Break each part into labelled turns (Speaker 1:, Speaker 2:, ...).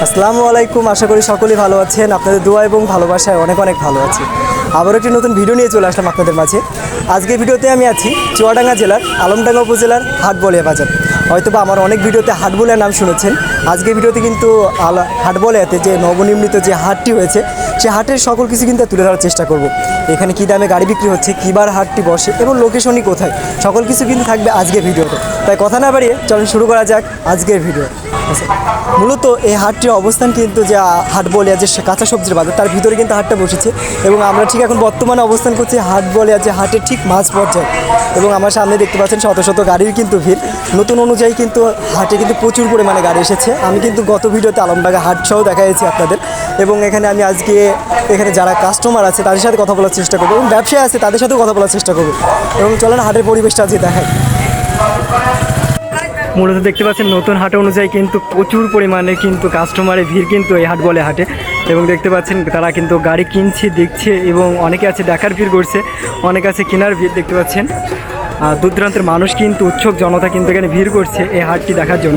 Speaker 1: আসসালামু আলাইকুম। আশা করি সকলেই ভালো আছেন। আপনাদের দোয়া এবং ভালোবাসায় অনেক অনেক ভালো আছি। আবার একটি নতুন ভিডিও নিয়ে চলে আসলাম আপনাদের মাঝে। আজকের ভিডিওতে আমি আছি চুয়াডাঙ্গা জেলার আলমডাঙ্গা উপজেলার হাটবলিয়া বাজার। হয়তোবা আমার অনেক ভিডিওতে হাটবলিয়া নাম শুনেছেন। আজকের ভিডিওতে কিন্তু হাটবলিয়াতে যে নবনির্মিত যে হাটটি হয়েছে সে হাটের সকল কিছু কিন্তু তুলে ধরার চেষ্টা করব। এখানে কী দামে গাড়ি বিক্রি হচ্ছে, কীবার হাটটি বসে এবং লোকেশনই কোথায়, সকল কিছু কিন্তু থাকবে আজকের ভিডিওতে। তাই কথা না বাড়িয়ে চলুন শুরু করা যাক আজকের ভিডিও। মূলত এই হাটটির অবস্থান কিন্তু যে হাটবলিয়া যে কাঁচা সবজির বাজার তার ভিতরে কিন্তু হাটটা বসেছে এবং আমরা ঠিক এখন বর্তমানে অবস্থান করছি হাটবলিয়া যে হাটের ঠিক মাঝ পর্যায়ে। এবং আমার সামনে দেখতে পাচ্ছেন শত শত গাড়ির কিন্তু ভিড়। নতুন অনুযায়ী কিন্তু হাটে কিন্তু প্রচুর পরিমাণে গাড়ি এসেছে। আমি কিন্তু গত ভিডিওতে আলমডাঙ্গা হাট সহ দেখাইছি আপনাদের, এবং এখানে আমি আজকে এখানে যারা কাস্টমার আছে তাদের সাথে কথা বলার চেষ্টা করবো এবং ব্যবসায়ী আছে তাদের সাথেও কথা বলার চেষ্টা করবো। এবং চলেন হাটের পরিবেশটা আজকে দেখাই। মূলত দেখতে পাচ্ছেন নতুন হাট অনুযায়ী কিন্তু প্রচুর পরিমাণে কিন্তু কাস্টমারের ভিড় কিন্তু এই হাটবলিয়া হাটে। এবং দেখতে পাচ্ছেন তারা কিন্তু গাড়ি কিনছে, দেখছে, এবং অনেকে আছে দেখার ভিড় করছে, অনেকে আছে কেনার ভিড়। দেখতে পাচ্ছেন দূর দূরান্তের মানুষ কিন্তু উৎসুক জনতা কিন্তু এখানে ভিড় করছে এই হাটটি দেখার জন্য।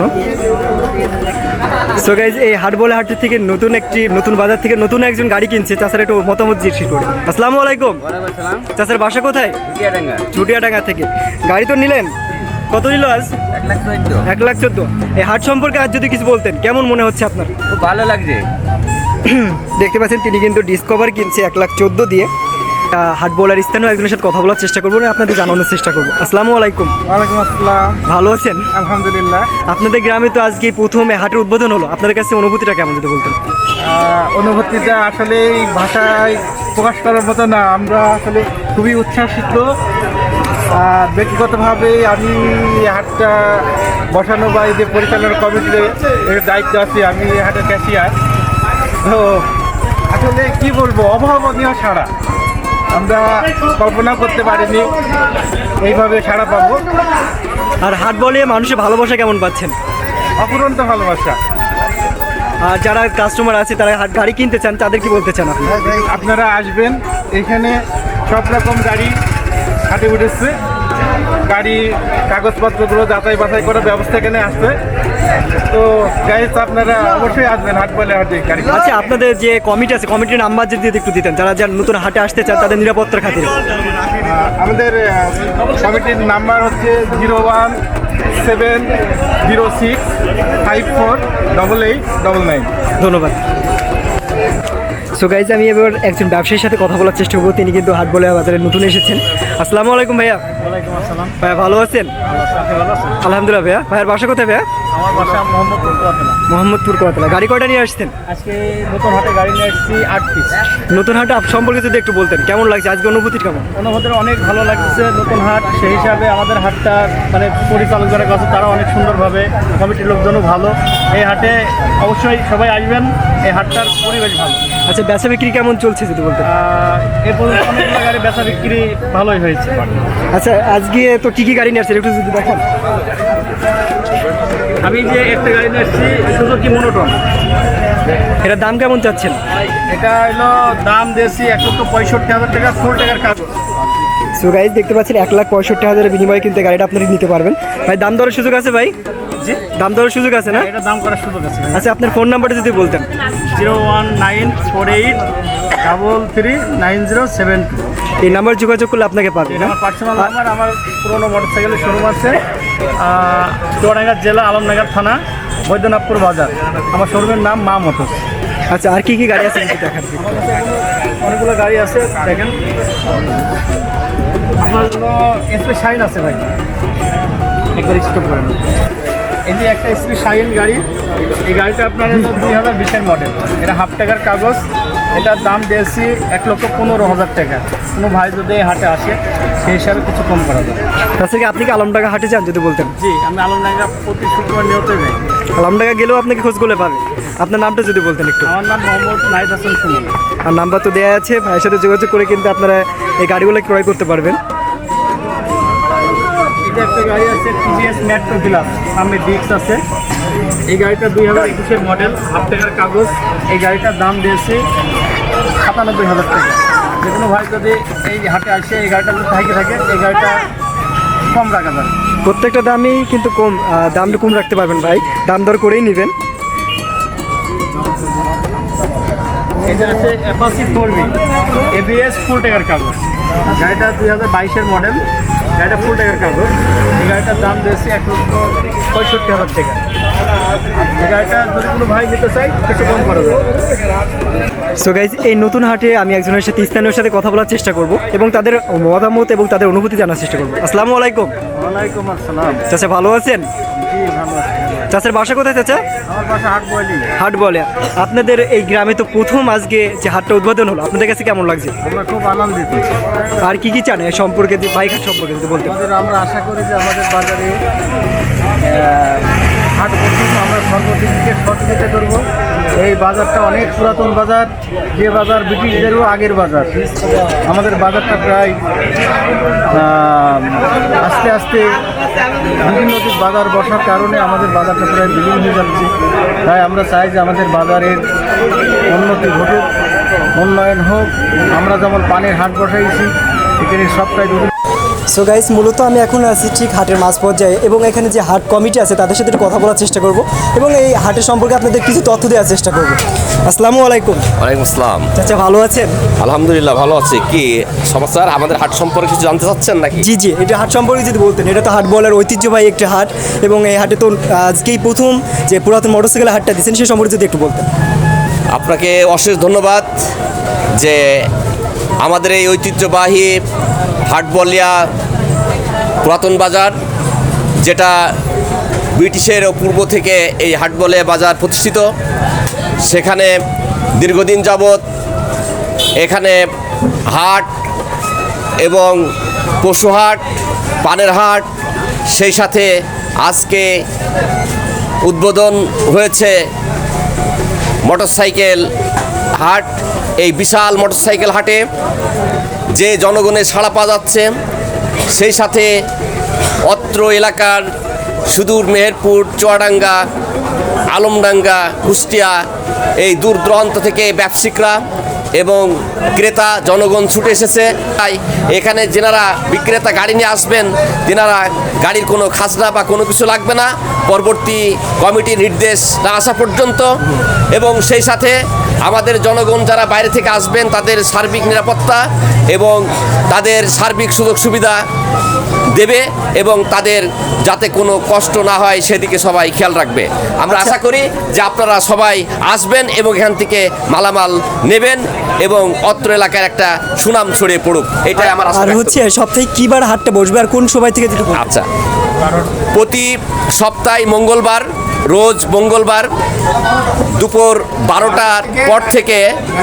Speaker 1: সো গাইজ, এই হাটবলিয়া হাট থেকে নতুন বাজার থেকে নতুন একজন গাড়ি কিনছে। তাছাড়া একটু মতামত জিজ্ঞেস করি। আসসালামু আলাইকুম। চাচার বাসা কোথায়? চুটিয়াডাঙ্গা থেকে গাড়ি তো নিলেন, কত নিল আজ? 1,14,000। এই হাট সম্পর্কে আজ যদি কিছু বলতেন কেমন মনে হচ্ছে আপনার?
Speaker 2: খুব ভালো লাগছে।
Speaker 1: দেখতে পাচ্ছেন তিনি কিন্তু ডিসকভার কিনছে 1,14,000 দিয়ে। হাটবলার স্থানীয় একজনের সাথে কথা বলার চেষ্টা করবো, আপনাদের জানানোর চেষ্টা করবো। আসসালামু আলাইকুম।
Speaker 2: ওয়ালাইকুম আসসালাম।
Speaker 1: ভালো আছেন?
Speaker 2: আলহামদুলিল্লাহ।
Speaker 1: আপনাদের গ্রামে তো আজকে প্রথম হাটের উদ্বোধন হলো, আপনাদের কাছে অনুভূতিটা কেমন যদি বলতেন?
Speaker 2: অনুভূতিটা আসলে ভাষায় প্রকাশ করার মতো না। আমরা আসলে খুবই উচ্ছ্বাসিত। ব্যক্তিগতভাবে আমি এই হাটটা বসানো বা এই যে পরিচালনা কমিটির এর দায়িত্ব আছি, আমি এই হাটের ক্যাশিয়ার। তো আসলে কি বলবো, অভাবনীয় সাড়া, আমরা কল্পনা করতে পারিনি এইভাবে সাড়া পাবো।
Speaker 1: আর হাটবলিয়া মানুষের ভালোবাসা কেমন পাচ্ছেন?
Speaker 2: অফুরন্ত ভালোবাসা।
Speaker 1: আর যারা কাস্টমার আছে তারা গাড়ি কিনতে চান তাদের কি বলতে চান আপনি?
Speaker 2: আপনারা আসবেন, এখানে সব রকম গাড়ি হাটে উঠেছে। গাড়ি কাগজপত্রগুলো যাচাই বাছাই করার ব্যবস্থা এখানে আসছে। তো গাইজ আপনারা অবশ্যই আসবেন হাটবলিয়া হাটে গাড়ি।
Speaker 1: আচ্ছা, আপনাদের যে কমিটি আছে কমিটির নাম্বার যদি একটু দিতেন, যারা নতুন হাটে আসতে চান তাদের নিরাপত্তার খাতিরে।
Speaker 2: আমাদের কমিটির নাম্বার হচ্ছে 01065454899।
Speaker 1: ধন্যবাদ। সো গাইজ, আমি এবার একজন ব্যবসায়ীর সাথে কথা বলার চেষ্টা করবো। তিনি কিন্তু হাটবলিয়া বাজারে নতুন এসেছেন। আসসালামু আলাইকুম ভাইয়া।
Speaker 2: ওয়ালাইকুম আসসালাম।
Speaker 1: ভাইয়া ভালো আছেন? আলহামদুলিল্লাহ। ভাইয়া, ভাইয়ার বাসা কোথায় ভাইয়া?
Speaker 2: আমার বাসা
Speaker 1: মোহাম্মদপুর কোয়াতলা। গাড়ি কয়টা নিয়ে আসছেন?
Speaker 2: আজকে নতুন হাটে গাড়ি নিয়ে এসেছি 8 পিস।
Speaker 1: নতুন হাটে সম্পর্কে যদি একটু বলতেন কেমন লাগছে আজকে, অনুভূতি কেমন?
Speaker 2: অনুভূতি অনেক ভালো লাগছে। নতুন হাট, সেই হিসাবে আমাদের হাটটা মানে পরিচালক যারা কাছে তারা অনেক সুন্দরভাবে, কমিটির লোকজনও ভালো। এই হাটে অবশ্যই সবাই আসবেন, এই হাটটার পরিবেশ ভালো।
Speaker 1: আচ্ছা, বেচা বিক্রি কেমন চলছে যদি বলতেন?
Speaker 2: এরপর অনেকগুলো গাড়ি বেচা বিক্রি ভালোই হয়েছে।
Speaker 1: আচ্ছা, আজকে তো কী কী গাড়ি নিয়ে আসছেন একটু যদি দেখেন।
Speaker 2: আমি যে একটা গাড়ি নিয়ে এসেছি সুজুকি মনোটন।
Speaker 1: এটার দাম কেমন চাচ্ছেন?
Speaker 2: এটা হলো দাম দিয়েছি 1,65,000 টাকা, ফুল টাকার কাগজ।
Speaker 1: সো গাইজ, দেখতে পাচ্ছেন 1,65,000 বিনিময়ে কিন্তু গাড়িটা আপনারা নিতে পারবেন। ভাই, দাম দরের সুযোগ আছে ভাই?
Speaker 2: জি,
Speaker 1: দাম দরের সুযোগ আছে না?
Speaker 2: এটা দাম করার সুযোগ আছে।
Speaker 1: আচ্ছা, আপনার ফোন নাম্বারটা যদি বলতেন।
Speaker 2: 01948339072।
Speaker 1: এই নাম্বার যোগাযোগ করলে আপনাকে পাবেন।
Speaker 2: এটা আমার পার্সোনাল নাম্বার। আমার পুরোনো মোটরসাইকেলের শোরুম আছে চুয়াডাঙ্গা জেলা, আলমনগর থানা, বৈদ্যনাথপুর বাজার। আমার শোরুমের নাম মা মোটরস।
Speaker 1: আচ্ছা, আর কি কি গাড়ি আছে একটু দেখান।
Speaker 2: অনেকগুলো গাড়ি আছে, দেখেন। আপনার এসপি শাইন আছে ভাই, একবার স্টপ করেন। এই যে একটা এসপি শাইন গাড়ি, এই গাড়িটা আপনার 2020-এর মডেল। এটা হাফ টাকার কাগজ। এটার দাম দিয়েছি 1,15,000 টাকা। কোনো ভাই যদি এই হাটে আসে সেই হিসাবে কিছু কম করা যায়।
Speaker 1: তাছাড়া আপনি কি আলমডাঙ্গা হাটে যান যদি বলতেন?
Speaker 2: জি, আমি আলমডাঙ্গা প্রতি শুক্রবার নিয়ত যাই।
Speaker 1: আলমডাঙ্গা গেলেও আপনাকে খোঁজ করলে পাবে। আপনার নামটা যদি বলতেন একটু।
Speaker 2: আমার নাম মোহাম্মদ নাহিদ হাসান সুমন।
Speaker 1: আর নাম্বার তো দেওয়া আছে, ভাইয়ের সাথে যোগাযোগ করে কিন্তু আপনারা এই গাড়িগুলো ক্রয় করতে পারবেন।
Speaker 2: এটা একটা গাড়ি আছে টিভিএস মেট্রো প্লাস, সামনে ডিস্ক আছে। এই গাড়িটা 2021-এর মডেল, হাফ টাকার কাগজ। এই গাড়িটার দাম দিয়েছে 97,000 টাকা। যে কোনো ভাই যদি এই হাটে আসে এই গাড়িটা যদি থাকে এই গাড়িটা কম রাখা যাবে।
Speaker 1: প্রত্যেকটা দামই কিন্তু কম, দামটা কম রাখতে পারবেন ভাই, দাম দর করেই নেবেন।
Speaker 2: এটা আছে অ্যাপাচি 4V ABS ফুল টাকার কাগজ। গাড়িটা 2022-এর মডেল, গাড়িটা ফুল টাকার কাগজ। এই গাড়িটার দাম দিয়েছি 1,65,000 টাকা। এই গাড়িটা যদি কোনো ভাই নিতে চাই কিছু কম করা যাবে।
Speaker 1: সো গাইজ, এই নতুন হাটে আমি একজনের সাথে স্থানীয় সাথে কথা বলার চেষ্টা করব এবং তাদের মতামত এবং তাদের অনুভূতি জানার চেষ্টা করব। আসসালামু আলাইকুম।
Speaker 2: ওয়ালাইকুম আসসালাম।
Speaker 1: চাচা ভালো আছেন?
Speaker 2: জি ভালো আছি।
Speaker 1: চাচার বাসা কোথায় চাচা?
Speaker 2: আমার বাসা হাট বয়লি।
Speaker 1: হাট বলে। আপনাদের এই গ্রামে তো প্রথম আজকে যে হাটটা উদ্বোধন হলো, আপনাদের কাছে কেমন লাগছে?
Speaker 2: আমরা খুব আনন্দিত।
Speaker 1: আর কি চান এ সম্পর্কে, বাইক হাট সম্পর্কে যদি বলতে?
Speaker 2: আমরা আশা করি যে আমাদের বাজারে হাট পর্যন্ত আমরা সর্বদিক থেকে সহযোগিতা করব। এই বাজারটা অনেক পুরাতন বাজার, যে বাজার ব্রিটিশদেরও আগের বাজার। আমাদের বাজারটা প্রায় আস্তে আস্তে বিভিন্ন বাজার বসার কারণে আমাদের বাজারটা প্রায় বিলীন হয়ে যাচ্ছে। তাই আমরা চাই যে আমাদের বাজারের উন্নতি ঘটুক, উন্নয়ন হোক। আমরা যেমন পানের হাট বসাইছি, এখানে সবটাই
Speaker 1: সো গাইস, মূলত আমি এখন আছি ঠিক হাটের মাঝ পর্যায়ে এবং এখানে যে হাট কমিটি আছে তাদের সাথে একটু কথা বলার চেষ্টা করব এবং এই হাটের সম্পর্কে আপনাদের কিছু তথ্য দেওয়ার চেষ্টা করব। আসসালামু আলাইকুম।
Speaker 3: ওয়ালাইকুম আসসালাম।
Speaker 1: চাচা ভালো আছেন?
Speaker 3: আলহামদুলিল্লাহ ভালো আছি। কি সমাচার? আমাদের হাট সম্পর্কে কিছু জানতে চাচ্ছেন নাকি?
Speaker 1: জি জি, এটা হাট সম্পর্কে যদি বলতেন। এটা তো হাট বলার ঐতিহ্যবাহী একটি হাট এবং এই হাটে তো আজকেই প্রথম যে পুরাতন মোটরসাইকেল হাটটা দিচ্ছেন সে সম্পর্কে যদি একটু বলতেন।
Speaker 3: আপনাকে অশেষ ধন্যবাদ যে আমাদের এই ঐতিহ্যবাহী হাটবলিয়া পুরাতন বাজার, যেটা ব্রিটিশের পূর্ব থেকে এই হাটবলিয়া বাজার প্রতিষ্ঠিত, সেখানে দীর্ঘদিন যাবৎ এখানে হাট এবং পশু হাট, পানের হাট, সেই সাথে আজকে উদ্বোধন হয়েছে মোটরসাইকেল হাট। এই বিশাল মোটরসাইকেল হাটে যে জনগণের সাড়া পাওয়া যাচ্ছে, সেই সাথে অত্র এলাকার সুদূর মেহেরপুর, চুয়াডাঙ্গা, আলমডাঙ্গা, কুষ্টিয়া, এই দূর দূরান্ত থেকে ব্যবসায়িকরা এবং ক্রেতা জনগণ ছুটে এসেছে। তাই এখানে যেনারা বিক্রেতা গাড়ি নিয়ে আসবেন, তেনারা গাড়ির কোনো খাজনা বা কোনো কিছু লাগবে না পরবর্তী কমিটির নির্দেশ না আসা পর্যন্ত। এবং সেই সাথে আমাদের জনগণ যারা বাইরে থেকে আসবেন তাদের সার্বিক নিরাপত্তা এবং তাদের সার্বিক সুযোগ সুবিধা দেবে এবং তাদের যাতে কোনো কষ্ট না হয় সেদিকে সবাই খেয়াল রাখবে। আমরা আশা করি যে আপনারা সবাই আসবেন এবং এখান থেকে মালামাল নেবেন এবং অত্র এলাকার একটা সুনাম ছড়িয়ে পড়ুক, এটাই আমার আশা।
Speaker 1: আর হচ্ছে সপ্তাহে কিবার হাটটা বসবে আর কোন সময় থেকে যদি বলতেন?
Speaker 3: আচ্ছা, প্রতি সপ্তাহে মঙ্গলবার, রোজ মঙ্গলবার দুপুর 12টার পর থেকে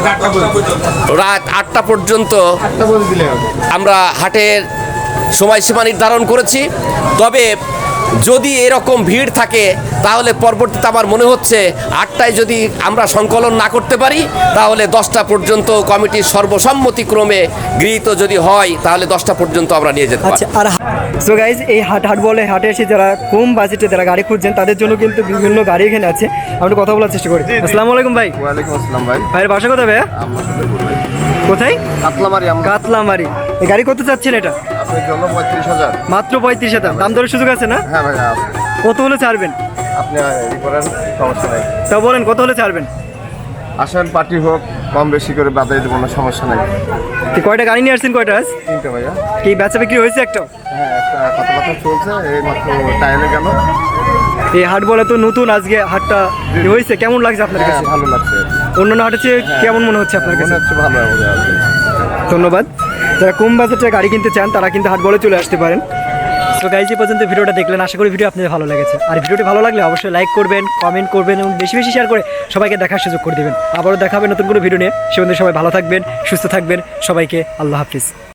Speaker 3: রাত 8টা পর্যন্ত আমরা হাটের সময়সীমা নির্ধারণ করেছি। তবে যদি এরকম ভিড় থাকে তাহলে পরবর্তীতে আমার মনে হচ্ছে 8টায় যদি আমরা সংকলন না করতে পারি তাহলে 10টা পর্যন্ত কমিটির সর্বসম্মতিক্রমে গৃহীত যদি হয় তাহলে 10টা পর্যন্ত আমরা নিয়ে যেতে পারি।
Speaker 1: আচ্ছা, আর সো গাইজ, এই হাট বলে হাটে এসে যারা কম বাজেটে যারা গাড়ি খুঁজছেন তাদের জন্য কিন্তু বিভিন্ন গাড়ি এখানে আছে। আমরা কথা বলার চেষ্টা করি। আসসালামু আলাইকুম ভাই।
Speaker 2: ওয়ালাইকুম আসসালাম ভাই।
Speaker 1: ভাইয়ের বাসা কোথায় ভাইয়া? কোথায়?
Speaker 2: কাতলামারি।
Speaker 1: কাতলামারি। এই গাড়ি কত চাচ্ছেন এটা?
Speaker 2: আপনার জন্য 35,000।
Speaker 1: মাত্র 35,000। দাম দরের সুযোগ আছে না?
Speaker 2: হ্যাঁ ভাই,
Speaker 1: কত হলে ছাড়বেন?
Speaker 2: আপনি করেন, সমস্যা নেই।
Speaker 1: তা বলেন কত হলে ছাড়বেন?
Speaker 2: আসেন, পার্টি হোক, কম বেশি করে বাজারে দেবো না, সমস্যা নেই।
Speaker 1: কয়টা গাড়ি নিয়ে আসছেন? কয়টা আজ?
Speaker 2: 3টে ভাইয়া।
Speaker 1: কি বেচা বিক্রি হয়েছে একটাও?
Speaker 2: হ্যাঁ, একটা কথাবার্তা চলছে, এই মাত্র টাইলে গেল।
Speaker 1: এই হাট বলে তো নতুন, আজকে হাটটা হয়েছে, কেমন লাগছে আপনার
Speaker 2: হ্যাঁ,
Speaker 1: কাছে?
Speaker 2: ভালো লাগছে।
Speaker 1: অন্যান্য হাটের চেয়ে কেমন মনে হচ্ছে আপনার
Speaker 2: মনে
Speaker 1: কাছে?
Speaker 2: হচ্ছে ভালো হবে আর কি।
Speaker 1: ধন্যবাদ। যারা কম বাজেটে গাড়ি কিনতে চান তারা কিন্তু হাট বলে চলে আসতে পারেন। তো গাইজ, এই পর্যন্ত ভিডিওটা দেখলেন, আশা করি ভিডিও আপনাদের ভালো লেগেছে। আর ভিডিওটি ভালো লাগলে অবশ্যই লাইক করবেন, কমেন্ট করবেন এবং বেশি বেশি শেয়ার করে সবাইকে দেখার সুযোগ করে দেবেন। আবারও দেখাবেন নতুন কোনো ভিডিও নিয়ে। সে পর্যন্ত সবাই ভালো থাকবেন, সুস্থ থাকবেন। সবাইকে আল্লাহ হাফিজ।